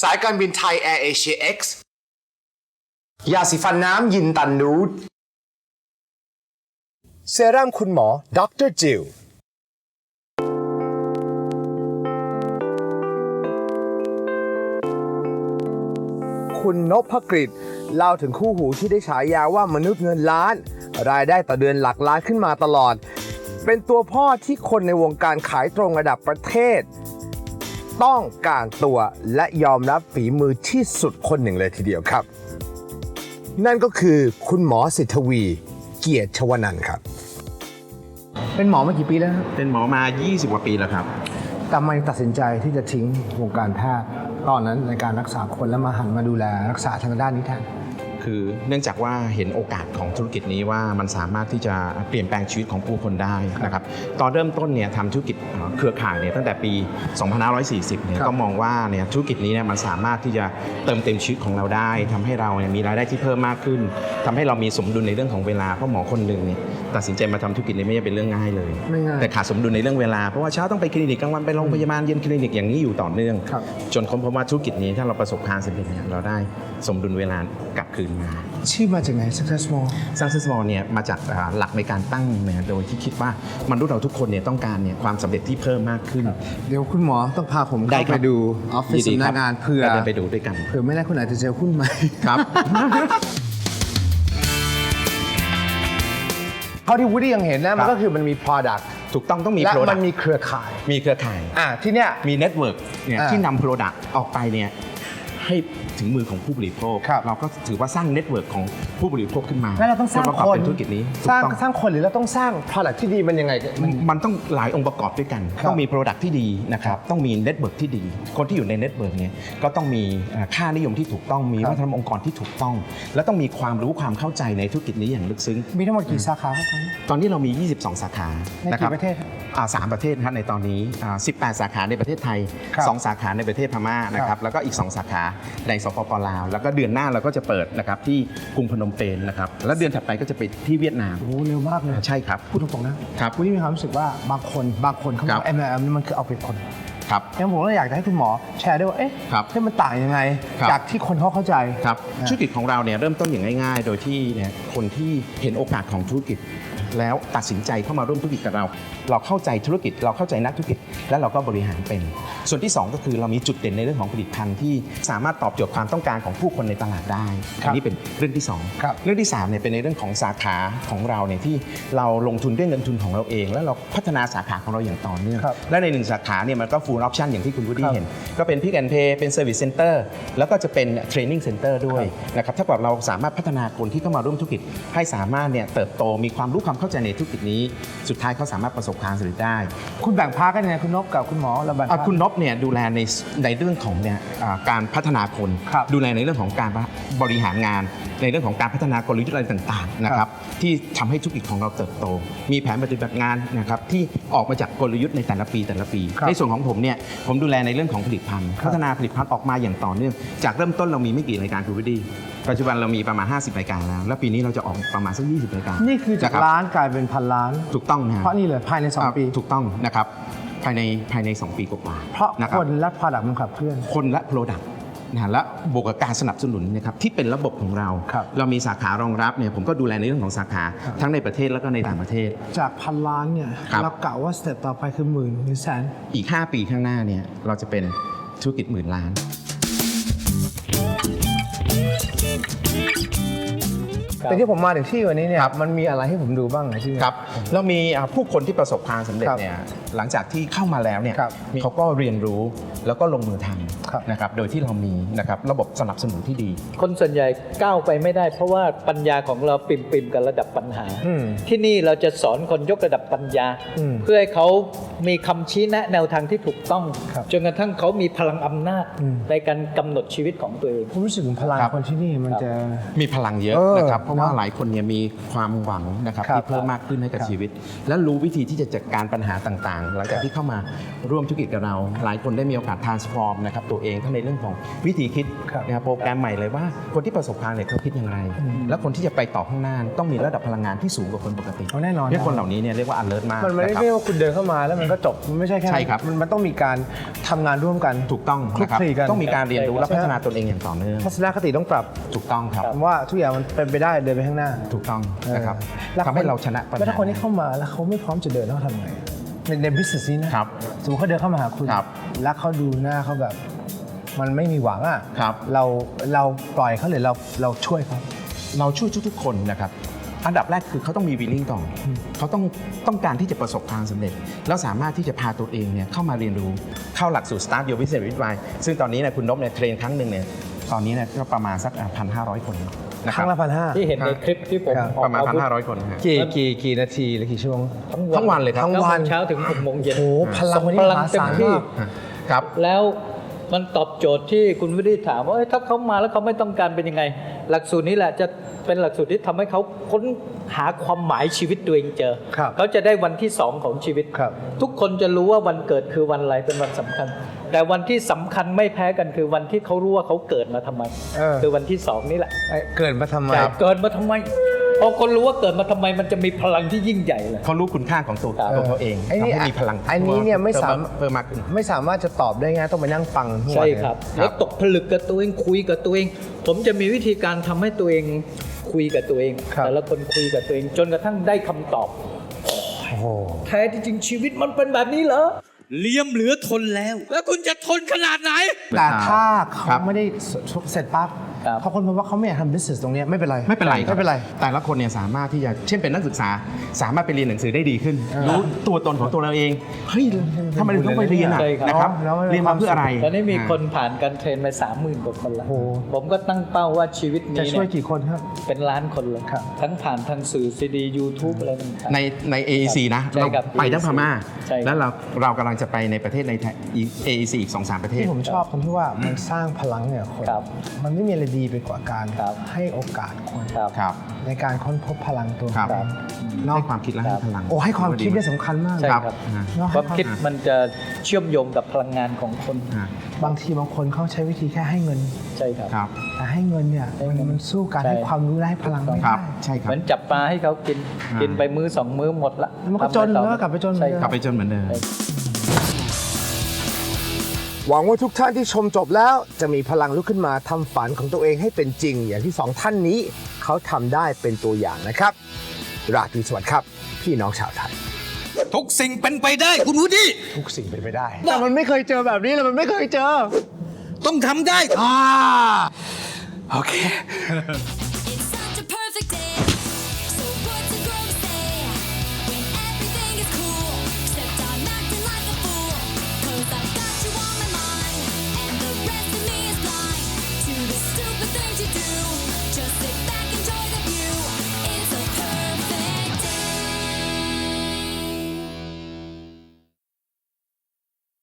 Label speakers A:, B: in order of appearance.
A: สายการบินไทยแอร์เอเชีย X ยาสีฟันน้ำยินตันนูดเซรั่มคุณหมอดร.จิลคุณนพกฤษเล่าถึงคู่หูที่ได้ฉายาว่ามนุษย์เงินล้านรายได้ต่อเดือนหลักล้านขึ้นมาตลอดเป็นตัวพ่อที่คนในวงการขายตรงระดับประเทศต้องการตัวและยอมรับฝีมือที่สุดคนหนึ่งเลยทีเดียวครับนั่นก็คือคุณหมอสิทธวีเกียรติชวนันท์ครับเป็นหมอมากี่ปีแล้วครับ
B: เป็นหมอมา 20 กว่าปีแล้วครับ
A: แต่ทำไมตัดสินใจที่จะทิ้งวงการแพทย์ตอนนั้นในการรักษาคนแล้วมาหันมาดูแลรักษาทางด้านนี้แทน
B: คือเนื่องจากว่าเห็นโอกาสของธุรกิจนี้ว่ามันสามารถที่จะเปลี่ยนแปลงชีวิตของผู้คนได้นะครับตอนเริ่มต้นเนี่ยทำธุรกิจเครือข่ายเนี่ยตั้งแต่ปี 2540 เนี่ยก็มองว่าเนี่ยธุรกิจนี้เนี่ยมันสามารถที่จะเติมเต็มชีวิตของเราได้ทำให้เราเนี่ยมีรายได้ที่เพิ่มมากขึ้นทำให้เรามีสมดุลในเรื่องของเวลาเพราะหมอคนหนึ่งเนี่ยตัดสินใจมาทำธุรกิจนี้ไม่ใช่เป็นเรื่องง่ายเลยแต่ขาดสมดุลในเรื่องเวลาเพราะว่าเช้าต้องไปคลินิกกลางวันไปโรงพยาบาลเย็นคลินิกอย่างนี้อยู่ต่อเนื่องจนค้นพบว่าธุรกิจนี้ถ้าเราประสบความสำเร็จเนี่ยเราได้สมดุลเวลากลับคืนมา
A: ชื่อมาจากไหน Successful
B: Successful เนี่ยมาจากหลักในการตั้งเนี่ยโดยที่คิดว่ามนุษย์เราทุกคนเนี่ยต้องการเนี่ยความสำเร็จที่เพิ่มมากขึ้น
A: เดี๋ยวคุณหมอต้องพาผมเข้าไปดูออฟฟิศสำนักงานเพื่อ
B: ไปดูด้วยกัน
A: เผื่อไม่ได้คุณอาจจะเจอหุ้นใหม่
B: ครับ
A: เท่าที่วูดดี้ยังเห็นนะมันก็คือมันมี product
B: ถูกต้องมี
A: และ
B: product
A: มันมีเครือข่าย
B: ที่เนี่ยมี network เนี่ยที่นำ product ออกไปเนี่ยให้ถึงมือของผู้บริโภคเราก็ถือว่าสร้างเน็ตเวิร์กของผู้บริโภคขึ้นมา
A: แล้วเราต้องสร้างคน
B: เป็นธุรกิจนี้
A: สร้างคนหรือเราต้องสร้าง product ที่ดีมันยังไง
B: มันต้องหลายองค์ประกอบด้วยกันต้องมี product ที่ดีนะครับต้องมีเน็ตเวิร์กที่ดีคนที่อยู่ในเน็ตเวิร์กเนี่ยก็ต้องมีค่านิยมที่ถูกต้องมีวัฒนธรรมองค์กรที่ถูกต้องและต้องมีความรู้ความเข้าใจในธุรกิจนี้อย่างลึกซึ้ง
A: มีทั้งหมดกี่สาขาครับ
B: ตอนนี้เรามี22 สาขา
A: ในกี่ประเทศ
B: 3 ประเทศครับในตอนนี้18 สาขาในประเทศไทย2 สาขาในประเทศพม่านะครับแล้วก็อีก2 สาขาในสปป.ลาวแล้วก็เดือนหน้าเราก็จะเปิดนะครับที่กรุงพนมเปญนะครับแล้วเดือนถัดไปก็จะไปที่เวียดนาม
A: โอ้เร็วมากเลย
B: ใช่ครับ
A: พูดตรงๆนะครับคุณนี่มีความรู้สึกว่าบางคนเขาบอก MLM นี่มันคือเอาเปรียบคน
B: ครับ
A: งั้นผมก็อยากจะให้คุณหมอแชร์ด้วยว่ามันต่างยังไงจากที่คนเขาเข้าใจ
B: ครับธุรกิจของเราเนี่ยเริ่มต้นอย่างง่ายๆโดยที่เนี่ยคนที่เห็นโอกาสของธุรกิจแล้วตัดสินใจเข้ามาร่วมธุรกิจกับเราเข้าใจธุรกิจเราเข้าใจนักธุรกิจและเราก็บริหารเป็นส่วนที่2ก็คือเรามีจุดเด่นในเรื่องของผลิตภัณฑ์ที่สามารถตอบโจทย์ความต้องการของผู้คนในตลาดได้อันนี้เป็นเรื่องที่2เรื่องที่3เนี่ยเป็นในเรื่องของสาขาของเราเนี่ยที่เราลงทุนด้วยเงินทุนของเราเองแล้วเราพัฒนาสาขาของเราอย่างต่อเนื่องและใน1 สาขาเนี่ยมันก็ full option อย่างที่คุณวูดดี้เห็นก็เป็น Pick and Pay เป็น Service Center แล้วก็จะเป็น Training Center ด้วยนะครับถ้าเกิดเราสามารถพัฒนาคนที่เข้ามาร่วมธุรกิจให้สามารถเนี่ยเติบโตมีความรู้ความเข้าใจในธุรกิจนี้สุดท้ายเขาสามารถประสบความสำเร็จได้
A: คุณแบ่งพาร์ทกันยังไงคุณนพกับคุณหมอเราแบ่ง
B: คุณนพเนี่ยดูแลในเรื่องของเนี่ยการพัฒนาคนดูแลในเรื่องของการบริหารงานในเรื่องของการพัฒนากลยุทธ์อะไรต่างๆนะครับที่ทำให้ธุรกิจของเราเติบโตมีแผนปฏิบัติงานนะครับที่ออกมาจากกลยุทธ์ในแต่ละปีในส่วนของผมเนี่ยผมดูแลในเรื่องของผลิตภัณฑ์พัฒนาผลิตภัณฑ์ออกมาอย่างต่อเนื่องจากเริ่มต้นเรามีไม่กี่รายการคุณวูดดี้ปัจจุบันเรามีประมาณ50 รายการแล้วปีนี้เราจะออกประมาณสัก20 รายการ
A: นี่คือจากล้านกลายเป็นพันล้าน
B: ถูกต้องนะ
A: เพราะนี่เลยภายใน2 ปี
B: ถูกต้องนะครับภายใน2 ปีกว่า
A: เพราะคนและ product มันขับเคลื่อน
B: คนและ product นะและบวกกับการสนับสนุนนะครับที่เป็นระบบของเราเรามีสาขารองรับเนี่ยผมก็ดูแลในเรื่องของสาขาทั้งในประเทศแล้วก็ในต่างประเทศ
A: จากพันล้านเนี่ยเรากะว่าสเต็ปต่อไปคือหมื่นหรือแสน
B: อีก5 ปีข้างหน้าเนี่ยเราจะเป็นธุรกิจ10,000 ล้าน
A: แต่ที่ผมมาถึงที่วันนี้เนี่ยมันมีอะไรให้ผมดูบ้างไหมที่
B: ครับเรามีผู้คนที่ประสบความสำเร็จเนี่ยหลังจากที่เข้ามาแล้วเนี่ยเขาก็เรียนรู้แล้วก็ลงมือทำนะครับโดยที่เรามีนะครับระบบสนับสนุนที่ดี
C: คนส่วนใหญ่ก้าวไปไม่ได้เพราะว่าปัญญาของเราปิ่มกับระดับปัญหาที่นี่เราจะสอนคนยกระดับปัญญาเพื่อให้เขามีคำชี้แนะแนวทางที่ถูกต้องจนกระทั่งเขามีพลังอำนาจในการกำหนดชีวิตของตัวเอง
A: ผมรู้สึกถึงพลังคนที่นี่มันจะ
B: มีพลังเยอะนะครับเพราะว่าหลายคนเนี่ยมีความหวังนะครับที่เพิ่มมากขึ้นให้กับชีวิตและรู้วิธีที่จะจัดการปัญหาต่างๆหลังจากที่เข้ามาร่วมธุรกิจกับเราหลายคนได้มีโอกาส transform นะครับตัวเองทั้งในเรื่องของวิธีคิดนะครับโปรแกรมใหม่เลยว่าคนที่ประสบความสำเร็จเขาคิดอย่างไรและคนที่จะไปต่อข้างหน้าต้องมีระดับพลังงานที่สูงกว่าคนปกติ
A: แน่นอน
B: คนเหล่านี้เนี่ยเรียกว่า alert มาก
A: มันไม่ได้ว่าคุณเดินเข้ามาแล้วมันก็จบมันไม่ใช่แค่
B: ใช่ครับ
A: มันต้องมีการทำงานร่วมกัน
B: ถูกต้อง
A: คลุก
B: นะครับ
A: คลีกัน
B: ต้องมีการเรียนรู้และพัฒนาตนเองอย่างต่อเนื่อง
A: ทัศนคติต้องปรับ
B: ถูกต้องครับ
A: ผมว่าทุกอย่างมันเป็นไปได้เดินไปข้างหน้า
B: ถูกต้องนะครับ
A: แล้ว
B: ทำให้เราชนะปัญ
A: แล้ว
B: หา
A: ถ้าคนที่เข้ามาแล้วเขาไม่พร้อมจะเดินเขาทำไงใน business นี้นะครับ สมมติเขาเดินเข้ามาหาคุณ
B: ครับ
A: แล้วเขาดูหน้าเขาแบบ มันไม่มีหวังอ่ะ
B: ครับ
A: เราปล่อยเขาหรือเราช่วยเขา
B: เราช่วยทุกๆคนนะครับ อันดับแรกคือเขาต้องมีวิลลิ่งก่อนเขาต้องการที่จะประสบความสำเร็จ แล้วสามารถที่จะพาตัวเองเนี่ยเข้ามาเรียนรู้เข้าหลักสูตร Start Your Business with Why ซึ่งตอนนี้เนี่ยคุณนพเนี่ยเทรนครั้งหนึ่งเนี่ยตอนนี้เนี่ยก็ประมาณสัก 1,500 คนนะ
A: ค
B: ครั
A: รั้
B: บ
A: งละ1,500
C: ที่เห็นในคลิปที่ผม
A: ครับ
C: ออก
B: ประมาณ
C: อาวุธ
B: 1,500 คนนะฮะ
A: กี่นาทีหรือกี่ชั่วโมง
B: ทั้งวันเลยครับ
A: ทั้งวัน
C: 9 โมงเช้าถึง 6 โมงเย็น
A: โอ้โหพลังวันนี้
C: พ
A: ม
C: ลัง
A: หา
C: เต็ม
A: ศาล
C: ที่
A: มาก
B: ครับ
C: แล้วมันตอบโจทย์ที่คุณวิริถามว่าเอ้ยถ้าเขามาแล้วเขาไม่ต้องการเป็นยังไง หลักสูตรนี้แหละจะเป็นหลักสูตรที่ทำให้เขาค้นหาความหมายชีวิตตัวเองเจอ
A: ครับ
C: เขาจะได้วันที่ 2 ของชีวิต
A: ครับ
C: ทุกคนจะรู้ว่าวันเกิดคือวันอะไรเป็นวันสำคัญ แต่วันที่สำคัญไม่แพ้กันคือวันที่เขารู้ว่าเขาเกิดมาทำไม คือวันที่ 2 นี่แหละ
A: เกิดมาทำไม
C: แต่เกิดมาทำไมพอคนรู้ว่าเกิดมาทำไมมันจะมีพลังที่ยิ่งใหญ่เลย
B: เขารู้คุณค่าของตัว
C: ครับ
B: เขาเอง
A: ไอ้นี่
B: ทำให้มีพลัง
A: อันนี้เนี่ยไม่สาม
B: เพิ่มมากขึ้น
A: ไม่สามารถจะตอบได้ง่ายต้องไปนั่งฟังทั้งวัน
C: ใช่
A: เลย
C: ครับ แล้วตกผลึกกับตัวเองคุยกับตัวเอง ผมจะมีวิธีการทำให้ตัวเองคุยกับตัวเอง
A: ครับ
C: แต่ละคนคุยกับตัวเอง จนกระทั่งได้คำตอบ
A: โอ้โห
C: แท้ที่จริงชีวิตมันเป็นแบบนี้เหรอ
D: เลี่ยมเหลือทนแล้ว แล้วคุณจะทนขนาดไหน
A: แต่ถ้า
B: ครั
A: เขา
B: บ
A: ไม่ได้เสร็จปั๊บ
C: ครับ
A: พอคนพบว่าเขาไม่อยากทำ business ตรงเนี้ยไม่เป็นไร
B: ไม่เป็นไรคบ
A: ไม่เป็นไร
B: แต่ละคนเนี่ยสามารถที่จะเช่นเป็นนักศึกษา สามารถไปเรียนหนังสือได้ดีขึ้น รู้ตัวตนของตัวเราเองเฮ้ยทำไมเราต้องไปเรียนอ่ะ
C: ใช่ครับ
B: นะครับ
A: แล้ว
B: เรียนมาเพื่ออะไร
C: ตอนนี้มีคนผ่านการเทรนไป30,000 กว่าคนแล้ว
A: โอ้โห
C: ผมก็ตั้งเป้าว่าชีวิต
A: จะ
C: นี้
A: ช่วย
C: เนี่ย
A: กี่คนครับ
C: เป็นล้านคนเลย
A: ครับ
C: ทั้งผ่านทางสื่อซีดียูทูบอะไรต่างๆ
B: ใน AEC นะ
C: ใช่
B: เรา
C: ครับ
B: ไปทั้งพม่า
C: ใช่ครับ
B: แล้วเรากำลังจะไปในประเทศใน AEC อีก 2-3 ประเทศ
A: ที่ผมชอบตรงที่ว่ามันสร้างพลังเนี่ยคน
C: ครับ
A: มันไม่มีอะไรดีไปกว่าการ
C: ครับ
A: ให้โอกาสคน
C: ครับ
B: ครับ
A: ในการค้นพบพลังตัว
B: ครับ
A: เอง
B: ให้ความคิดและให้พลัง
A: โอ้ให้ความคิดเนี่ยสำคัญมาก
C: ใช่
B: ครับ
C: ครับ
A: เนอะ
C: ความคิดมันจะเชื่อมโยงกับพลังงานของคน
B: อ่า
A: บางทีบางคนเขาใช้วิธีแค่ให้เงิน
C: ใช่ครับ
B: ครับ
A: แต่ให้เงินเนี่ย
C: ให้เงิน
A: มันสู้การ
C: ใช่
A: ให้ความรู้และให้พลังไม่
B: ครั
A: ได้
B: บ ใช่ครั
C: เห
B: บ
C: มือนจับปลาให้เขากิน
B: อ่ากิ
C: กินไปมื้อ 2 มื้อหมดละ
A: แล้วมันก็จน
C: ทำอะรต่อ
A: แล้วก็กลับไปจน
C: ใช่
B: ก
C: ค
B: ลั
C: รั
B: บบ ไปจนเหมือนเดิม
A: หวังว่าทุกท่านที่ชมจบแล้วจะมีพลังลุกขึ้นมาทำฝันของตัวเองให้เป็นจริง อย่างที่สองท่านนี้เขาทำได้เป็นตัวอย่างนะครับราตรีสวัสดิ์ครับ พี่น้องชาวไทย
D: ทุกสิ่งเป็นไปได้คุณวูดดี้
A: ทุกสิ่งเป็นไปได้ แต่มันไม่เคยเจอแบบนี้เลยมันไม่เคยเจอ
D: ต้องทำได้
A: โอเค